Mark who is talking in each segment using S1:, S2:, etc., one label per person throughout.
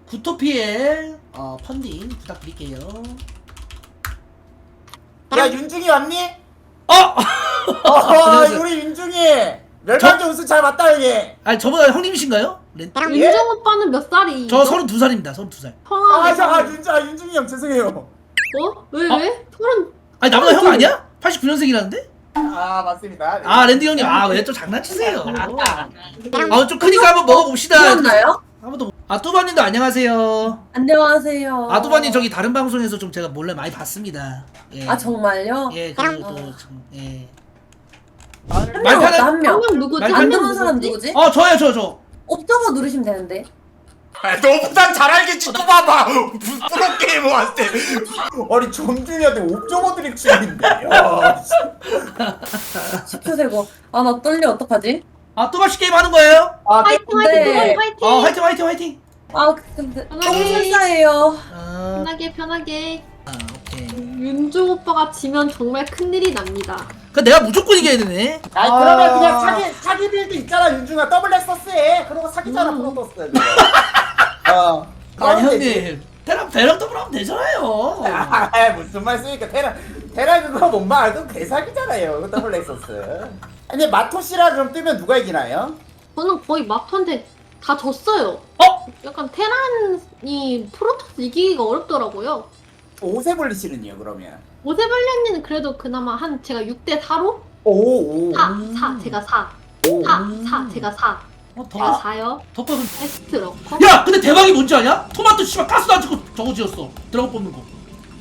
S1: 구토피엘 펀딩 부탁드릴게요.
S2: 야 윤중이 왔니?
S1: 안녕하세요.
S2: 우리 윤중이 멸망전 우승 잘 봤다 여기.
S1: 아니 저보다 형님이신가요?
S3: 윤정 오빠는 몇 살이죠?
S1: 저 32살입니다. 32살.
S2: 윤중이 형 죄송해요.
S3: 어? 왜? 서른.
S1: 아니 나보다 형 아니야? 89년생이라는데?
S2: 아 맞습니다.
S1: 아 랜디 형님 왜 또 장난치세요? 좀 크니까 한번 먹어봅시다.
S4: 들었나요?
S1: 한번 더. 뚜바님도 안녕하세요.
S4: 안녕하세요.
S1: 뚜바님 저기 다른 방송에서 좀 제가 몰래 많이 봤습니다. 예.
S4: 아 정말요?
S1: 예 그리고 예.
S4: 한 명
S1: 말편한-
S4: 없다 한 명.
S3: 한 명 누구지?
S1: 말-
S4: 안
S3: 한 명
S4: 들어온 사람
S3: 누구지?
S4: 누구지?
S1: 저요 저.
S4: 옵저버 누르시면 되는데.
S2: 너보단 잘 알겠지 또 봐봐. 프로게이머 한테. 아니 정준이한테 옵저버 드립 치는데.
S4: 10초 세고. 아 나 떨려 어떡하지?
S1: 뚜바씨 게임 하는 거예요?
S3: 화이팅
S4: 네.
S3: 화이팅 화이팅.
S1: 화이팅.
S4: 아 근데
S3: 편하게.
S4: 너무 설사해요.
S3: 편하게.
S1: 오케이.
S3: 윤종 오빠가 지면 정말 큰일이 납니다.
S1: 그 내가 무조건 이겨야 되네.
S2: 아니 그러면 그냥 사기 빌드 있잖아 윤중아 더블 넥서스 해. 그러고 사기잖아 프로토스.
S1: 아니 형님 배랑 더블하면 되잖아요.
S2: 무슨 말씀입니까? 테라 그거 못 말도 개사기잖아요. 그 더블 넥서스. 근데 마토시라 그럼 뜨면 누가 이기나요?
S3: 저는 거의 마토한테 다 졌어요. 약간 테란이 프로토스 이기기가 어렵더라고요.
S2: 오세블리시는요 그러면?
S3: 오세블리언니는 그래도 그나마 한 제가 6대 4로?
S2: 오.
S3: 4 제가 4 4 제가 4 제가 4요.
S1: 덮어.
S3: 베스트 러커?
S1: 야 근데 대박이 뭔지 아냐? 토마토 씨발 가스도 안 찍고 저거 지었어. 드래곤 뽑는 거.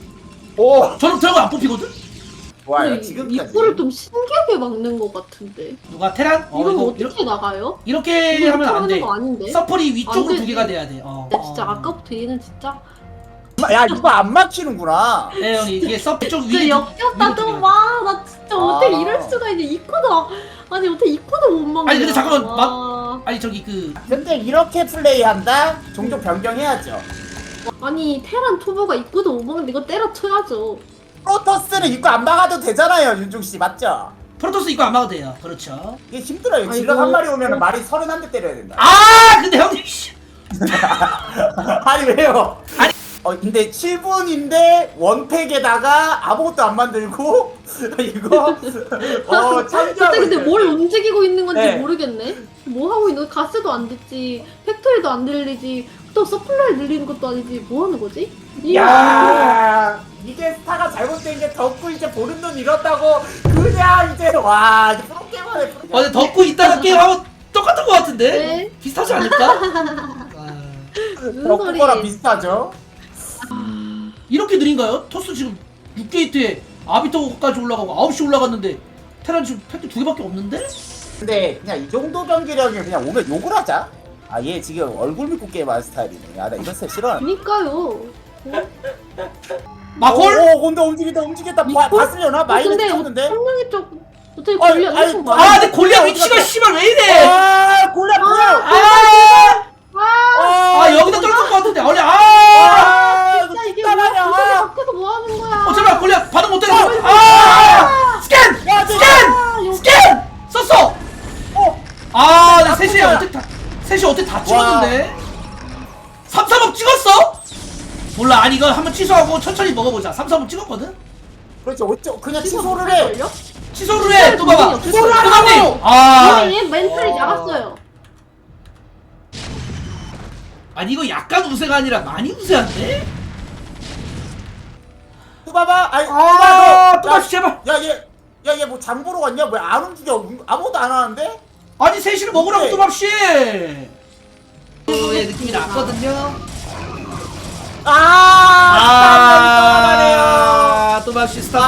S2: 오.
S1: 저는 드래곤 안 뽑히거든?
S2: 좋아요 지금까지.
S3: 입구를 좀 신기하게 막는 것 같은데.
S1: 누가 테란?
S3: 이건
S1: 이거
S3: 어떻게 나가요?
S1: 이렇게
S3: 이거
S1: 하면 안
S3: 하는
S1: 돼.
S3: 거 아닌데?
S1: 서플이 위쪽으로
S3: 안
S1: 두
S3: 되지.
S1: 개가 돼야 돼.
S3: 나 진짜 아까부터 얘는 진짜
S2: 야 이거 안 막히는구나.
S1: 네 형이 이게 서플 쪽
S3: 진짜
S1: 위에
S3: 역겹다 좀 와. 나 진짜 어떻게 이럴 수가 있냐. 이코도 아니 어떻게 이코도 못 막냐.
S1: 아니, 근데 잠깐만,
S3: 와.
S1: 아니 저기
S2: 근데 이렇게 플레이한다? 종종 변경해야죠.
S3: 아니 테란 투보가 입구도 못 먹는데 이거 때려쳐야죠.
S2: 프로토스는 입고 안 막아도 되잖아요 윤중 씨 맞죠?
S1: 프로토스 이거 안 막아도 돼요. 그렇죠.
S2: 이게 힘들어요.
S3: 아이고.
S2: 질럿 한 마리 오면 말이 31대 때려야 된다.
S1: 근데 형님 씨.
S2: 아니 왜요?
S1: 아니.
S2: 근데 7분인데 원팩에다가 아무것도 안 만들고 이거
S3: 진짜
S2: 참조하고
S3: 근데
S2: 있어요.
S3: 뭘 움직이고 있는 건지
S2: 네.
S3: 모르겠네. 뭐 하고 있는 거야? 가스도 안 됐지, 팩토리도 안 들리지, 또 서플라이 늘리는 것도 아니지. 뭐 하는 거지?
S2: 야 이게 스타가 잘못된 게 덕후 이제 보는 눈 잃었다고 그냥 이제 와 이제 프로게이머네 프로.
S1: 근데 덮고 있다가 게임하고 똑같은 거 같은데?
S3: 네.
S1: 비슷하지 않을까?
S3: 무슨
S2: 덕후 거랑 비슷하죠?
S1: 이렇게 느린가요? 토스 지금 6게이트에 아비터까지 올라가고 9시 올라갔는데 테란 지금 팩트 2개밖에 없는데?
S2: 근데 그냥 이 정도 경기력이 그냥 오면 욕을 하자. 얘 지금 얼굴 믿고 게임하는 스타일이네. 나 이런 스타일 싫어.
S3: 그니까요.
S1: 마콜?
S2: 오, 근데 움직였다. 봤으려나? 마이너스
S3: 근데
S2: 쳤는데?
S3: 성능이 좀 어떻게
S2: 아니,
S3: 걸려?
S2: 아니,
S3: 엄청
S2: 아,
S3: 많아.
S1: 근데 골리앗 위치가 씨발 왜 이래?
S2: 골라 뭐야?
S1: 여기다 떨어질 것 같은데 아니
S2: 이거
S3: 진짜 이게
S2: 진짜
S3: 뭐야?
S2: 말이야.
S3: 도대체 밖에서 뭐 하는 거야?
S1: 제발 골리앗 반응 못해. 스캔!
S2: 야,
S1: 스캔! 썼어! 나 셋이 어떻게 다 찍었는데? 3-3업 찍었어? 몰라 아니 이거 한번 취소하고 천천히 먹어보자. 3-3업 찍었거든?
S2: 그렇지, 어쩌 그냥
S3: 지금
S2: 취소를 해.
S3: 걸려?
S1: 취소를 해! 또 봐봐!
S3: 취소를
S1: 소감님!
S3: 얘 멘탈이 나갔어요.
S1: 아니 이거 약간 우세가 아니라 많이 우세한데?
S2: 또 봐봐.
S1: 또 다시 제발!
S2: 얘 뭐 장보러 갔냐? 왜 안 움직여? 아무것도 안 하는데?
S1: 아니 셋이를 먹으라고
S2: 네.
S1: 또밥씨! 의 느낌이 났거든요? 또밥씨 스타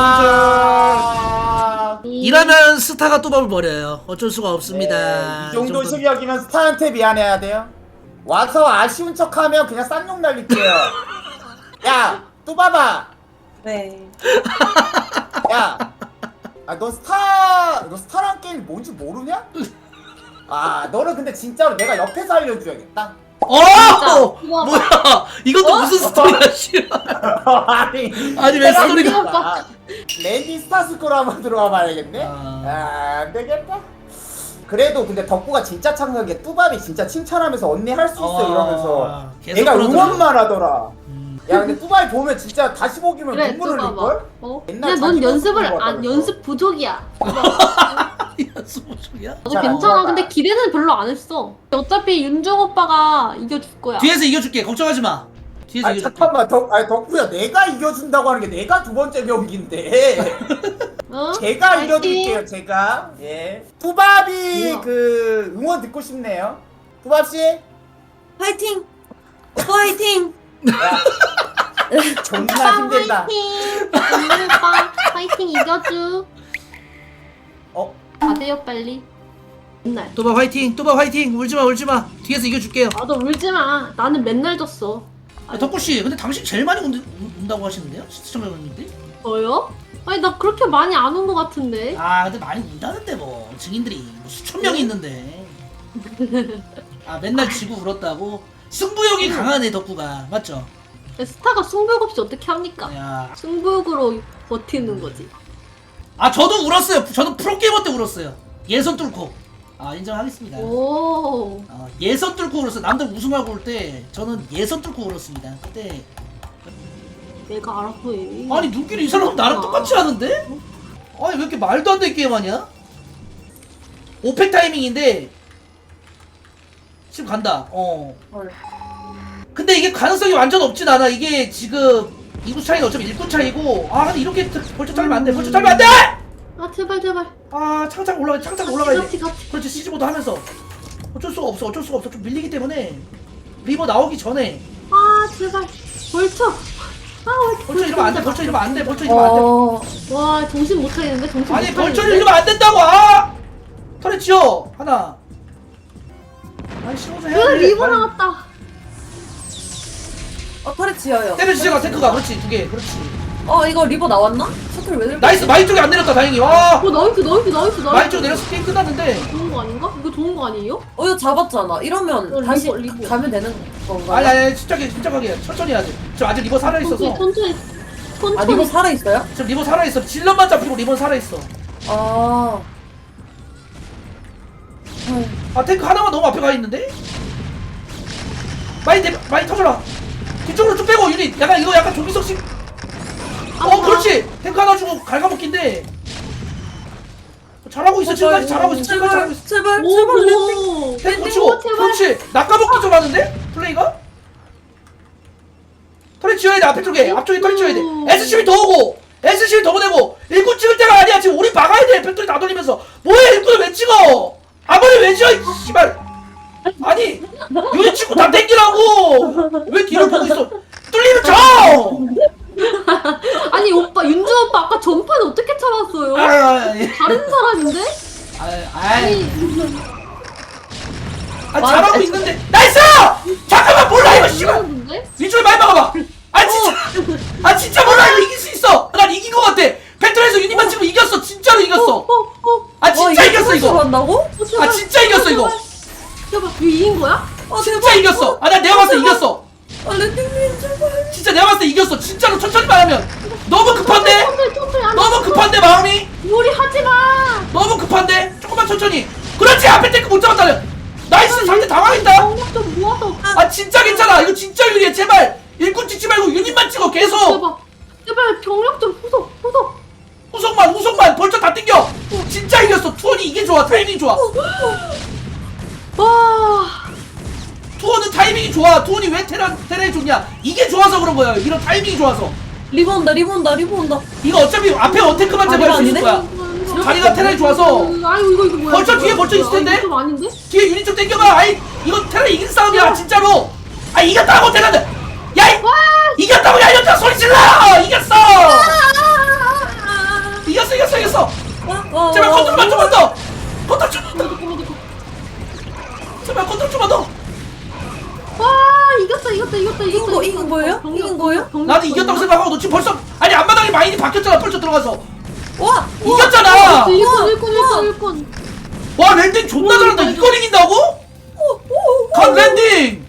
S1: 손절! 이러면 스타가 또밥을 버려요. 어쩔 수가 없습니다.
S2: 이 정도
S1: 이
S2: 실력이면 스타한테 미안해야 돼요. 와서 아쉬운 척하면 그냥 쌍욕 날릴게요. 야, 또 봐봐.
S4: 네.
S2: 야, 너 스타란 게임 뭔지 모르냐? 너는 근데 진짜로 내가 옆에서 알려줘야겠다.
S3: 이거
S1: 뭐야? 이것도 무슨 스토리야, 씨발. 아니, 왜 스토리가.
S2: 랜디 스타스코로 한번 들어와 봐야겠네? 안 되겠다. 그래도 근데 덕구가 진짜 창작해. 뚜밥이 진짜 칭찬하면서 언니 할 수 있어 이러면서
S1: 계속
S2: 얘가
S1: 그러더라.
S2: 응원만 하더라. 야 근데 뚜바이 보면 진짜 다시 보기면
S3: 그래
S2: 눈물 흘릴
S3: 뚜바봐.
S2: 걸?
S3: 어?
S2: 옛날
S3: 야, 넌
S2: 자기
S3: 연습을
S2: 연습
S3: 안
S2: 보고
S3: 연습 부족이야.
S1: 연습 중이야?
S3: 나도
S2: 잘안
S3: 괜찮아.
S2: 나가.
S3: 근데 기대는 별로 안 했어. 어차피 윤종 오빠가 이겨줄 거야.
S1: 뒤에서 이겨줄게. 걱정하지 마. 뒤에서
S2: 아
S1: 이겨줄게.
S2: 잠깐만 아니 덕후야 내가 이겨준다고 하는 게 내가 두 번째 경기인데
S3: 어?
S2: 제가
S3: 파이팅.
S2: 이겨드릴게요 제가. 예. 뚜밥이
S3: 뭐야?
S2: 그 응원 듣고 싶네요. 뚜밥씨
S4: 화이팅! 오빠 화이팅!
S2: 존나
S3: 오빠
S2: 힘들다.
S3: 화이팅. 윤종 오빠 화이팅 이겨줘.
S2: 어?
S3: 가세요 빨리. 맨날.
S1: 또봐 화이팅. 또봐 화이팅. 울지마 울지마. 뒤에서 이겨줄게요.
S3: 나도 울지 마. 나는 맨날 졌어.
S1: 덕구씨 근데 당신 제일 많이 운다고 하시는데요? 시청자분들?
S3: 저요? 아니 나 그렇게 많이 안 온 것 같은데.
S1: 아 근데 많이 운다는데 뭐 증인들이 뭐 수천 명이 있는데. 아 맨날 지고 울었다고? 승부욕이 강하네 덕구가. 맞죠?
S3: 스타가 승부욕 없이 어떻게 합니까?
S1: 야.
S3: 승부욕으로 버티는 거지.
S1: 아 저도 울었어요. 저도 프로게이머 때 울었어요. 예선 뚫고. 아 인정하겠습니다.
S3: 오.
S1: 예선 뚫고 울었어요. 남들 우승하고 올 때 저는 예선 뚫고 울었습니다. 그때
S3: 내가 알아서 해.
S1: 아니 눈길이 이 사람 나랑 똑같이 하는데? 아니 왜 이렇게 말도 안 되는 게임하냐? 오펙 타이밍인데 지금 간다.
S4: 헐.
S1: 근데 이게 가능성이 완전 없진 않아. 이게 지금 이구 차이가 어차피 1분 차이고. 아 근데 이렇게 벌써 잘면 안 돼. 벌써 잘면 안 돼!
S3: 아 제발 제발.
S1: 아 창작 올라가야
S3: 같이
S1: 돼.
S3: 같이.
S1: 그렇지 시즈모드 하면서 어쩔 수가 없어. 좀 밀리기 때문에 리버 나오기 전에
S3: 아 제발. 벌쳐.
S1: 벌써 이러면 안 돼. 벌써 이러면 안 돼. 벌써 이러면 안 돼.
S4: 어...
S3: 와 정신 못 차리는데 정신
S1: 아니
S3: 못
S1: 벌초를
S3: 차리는데.
S1: 이러면 안 된다고. 아! 털에 치워 하나. 아니 신호서 해야 돼.
S3: 리버
S1: 빨리.
S3: 나왔다.
S4: 털에 지어요.
S1: 때려주세요 탱크가. 그렇지 2개. 그렇지.
S4: 이거 리버 나왔나? 셔틀 왜 들고
S1: 나이스. 마이 쪽에 안 내렸다 다행히. 와.
S3: 나이스.
S1: 마이 쪽 내려서 게임 끝났는데.
S3: 좋은 거 아닌가? 이거 좋은 거 아니에요?
S4: 이거 잡았잖아. 이러면 다시
S3: 리버.
S4: 가면 되는 건가?
S1: 아니 침착하게 천천히 해야 돼. 지금 아직 리버 살아 있어서.
S3: 천천히.
S4: 아 리버 살아있어요?
S1: 지금 리버 살아 있어. 질럿만 잡히고 리버 살아 있어.
S4: 아...
S1: 아 탱크 하나만 너무 앞에 가 있는데? 많이 터져라. 뒤쪽으로 쭉 빼고 유닛. 약간 조기석식. 그렇지. 탱크 하나 주고 갉아먹기인데. 잘하고 있어. 지금까지 잘하고 있어. 지금까지 잘하고 있어.
S4: 제발
S3: 오.
S1: 탱크 고치고.
S3: 제발.
S1: 그렇지. 낚아먹기 좀 하는데? 플레이가? 털이 지어야 돼. 앞쪽에 털이 지어야 돼. SCB 더 오고 SCB 더 보내고. 일꾼 찍을 때가 아니야. 지금 우리 막아야 돼. 팩토리 다 돌리면서. 뭐해 일꾼을 왜 찍어? 아무리 왜 지어 이 씨발. 아니 유닛 찍고 다 땡기라고. 왜 뒤를 보고 있어? 뚫리면 져.
S3: 아니 오빠 윤주 오빠 아까 전판 어떻게 참았어요? 다른 사람인데?
S1: 잘하고 있는데. 나이스! 잠깐만 몰라 이거 씨발.
S3: 잘하는데?
S1: 위쪽에 많이 막아봐. 진짜 몰라. 이거 이길 수 있어. 난 이긴 것 같아. 팩토리에서 유닛만 찍으면 이겼어. 진짜로 이겼어. 진짜 이겼어 이거.
S4: 한다고?
S1: 진짜 이겼어 이거.
S3: 제발 이거 이긴 거야?
S1: 진짜 이겼어. 내가 봤을 때 이겼어.
S4: 랜딩님 제발.
S1: 진짜 내가 봤을 때 이겼어. 진짜로 천천히만 하면. 너무 급한데?
S3: 천천히 안
S1: 너무
S3: 돼.
S1: 급한데 마음이?
S3: 우리 하지마.
S1: 너무 급한데? 조금만 천천히. 그렇지. 앞에 탱크 못 잡았다. 나이스. 상대 당황했다.
S3: 경력 좀 모아서.
S1: 진짜 괜찮아. 이거 진짜 유리해. 제발 일꾼 찍지 말고 유닛만 찍어. 계속
S3: 제발 경력 좀 후속.
S1: 후속만 벌써 다 땡겨. 진짜 이겼어. 투원이 이게 좋아. 타이밍 좋아.
S3: 와.
S1: 투원은 타이밍이 좋아. 투원이 왜 테라에 좋냐? 이게 좋아서 그런 거야. 이런 타이밍이 좋아서.
S4: 리버 온다.
S1: 이거 어차피 앞에 어테크만 잡아야 수 있을 거야. 자리가 테라에 좋아서.
S3: 아유 이거 뭐야?
S1: 벌써 뒤에 벌써 있을 텐데?
S3: 좀 아닌데?
S1: 뒤에 유닛 좀 땡겨봐. 이거 테라 이긴 싸움이야 진짜로. 이겼다고 테라는. 이겼다고. 야 이겼다 소리 질러. 이겼어. 이겼어. 제발 컨트롤만 좀만 더. 제발 컨트롤 좀만 더.
S3: 와 이겼어.
S4: 이긴 거예요? 이긴 거예요?
S1: 나도 이겼다고 생각하고 너 지금 벌써 앞마당에 마인이 바뀌었잖아. 벌써 들어가서
S4: 와!
S1: 이겼잖아.
S3: 일꾼.
S1: 와 랜딩 존나 잘한다. 이걸 이긴다고? 간 랜딩.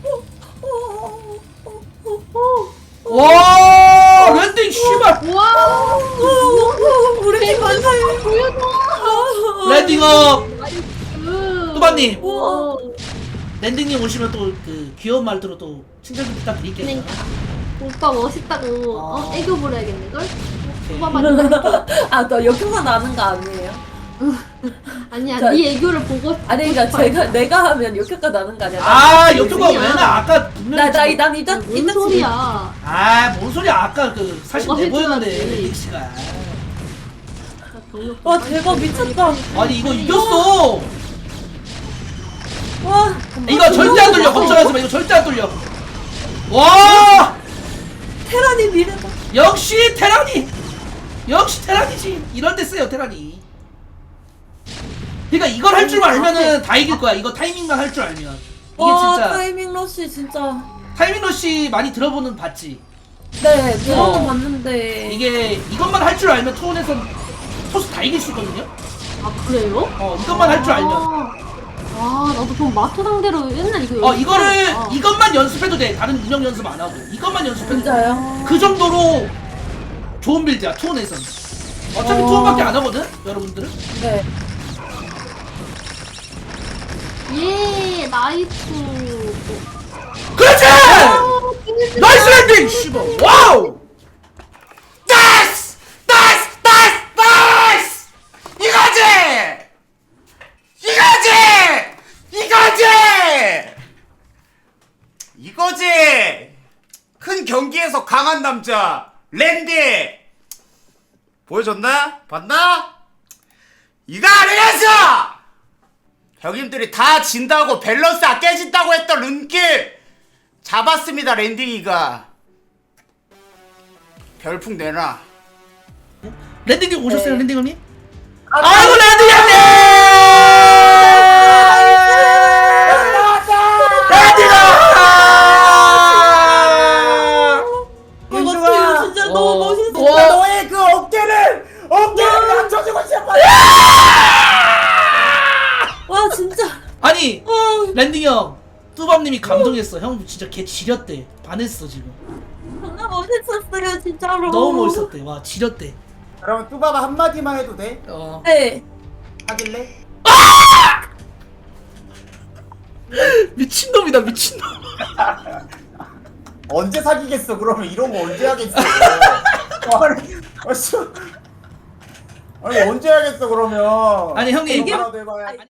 S1: 와 랜딩 씨발.
S3: 와.
S4: 우리 팀 반사해.
S3: 보여줘.
S1: 랜딩업. 뚜바님.
S3: 와.
S1: 랜딩님 오시면 또 그 귀여운 말투로 또 칭찬 좀 부탁드릴게요.
S3: 네. 오빠 멋있다고
S1: 아.
S3: 애교 부려야겠는걸?
S1: 오케이.
S3: 오빠 맞다.
S4: 아너 여기만 아는 거 아니에요?
S3: 아니야
S4: 자,
S3: 네 애교를 보고
S4: 아니 그러니까
S3: 싶어.
S4: 내가 하면 여기가 나는 거 아니야?
S1: 아 여기가
S3: 소리야.
S1: 왜 나 아까 분명히
S4: 나난 이단
S3: 아, 뭔 소리야?
S1: 아뭔 소리야 아까 그 사실
S3: 너가
S1: 내보였는데
S3: 해줘야지.
S1: 랜딩 씨가.
S4: 와 대박 미쳤다.
S1: 아니 이거 이겼어.
S4: 와
S1: 이거 절대 안 돌려. 걱정하지 마. 이거 절대 안 돌려. 와
S4: 테란이 미래다.
S1: 역시 테란이. 역시 테란이지. 이런 데 쓰요 테란이. 그러니까 이걸 할 줄만 알면은 다 이길 거야. 이거 타이밍만 할 줄 알면. 이게
S4: 와
S1: 진짜
S4: 타이밍 러쉬 진짜.
S1: 타이밍 러시 많이 들어보는 봤지.
S4: 네 들어는
S1: 어.
S4: 봤는데
S1: 이게 이것만 할 줄 알면 투혼에서 토스 다 이길 수 있거든요.
S3: 아 그래요?
S1: 이것만 할 줄 알면.
S3: 아 나도 좀 마토 상대로 옛날 이거
S1: 이거를
S3: 아.
S1: 이것만 연습해도 돼. 다른 운영 연습 안 하고 이것만 연습해도 돼.
S4: 진짜요?
S1: 그 정도로 좋은 빌드야 투혼에선. 어차피 투혼밖에 안 하거든 여러분들은.
S4: 네.
S3: 예 나이스.
S1: 그렇지! 나이스 랜딩! 씨발 와우!
S2: 나이스! 나이스! 나이스! 나이스! 이거지! 이거지! 이거지! 이거지! 큰 경기에서 강한 남자 랜디 보여줬나? 봤나? 이거 아니겠어! 형님들이 다 진다고 밸런스가 깨진다고 했던 룬길 잡았습니다. 랜딩이가 별풍 내놔.
S1: 랜딩님 오셨어요
S4: 네.
S1: 랜딩 형님?
S4: 아,
S1: 아이고 랜딩 형님! 랜딩아!
S4: 이거 진짜 너무 멋있어.
S1: 와.
S2: 너의 그 어깨를 낮춰주고 싶어.
S4: 와 진짜.
S1: 아니
S4: 와
S1: 랜딩 형 뚜밤님이 감동했어. 형 진짜 개 지렸대. 반했어 지금.
S4: 정말 멋있었어요 진짜로.
S1: 너무 멋있었대. 와 지렸대.
S2: 그러면 뚜바바 한마디만 해도 돼?
S4: 네.
S2: 하길래?
S1: 미친놈이다 미친놈.
S2: 언제 사귀겠어? 그러면 이런 거 언제 하겠어? 아니, 아니 언제 하겠어 그러면?
S1: 아니, 형님.
S2: 뭐라도 해봐야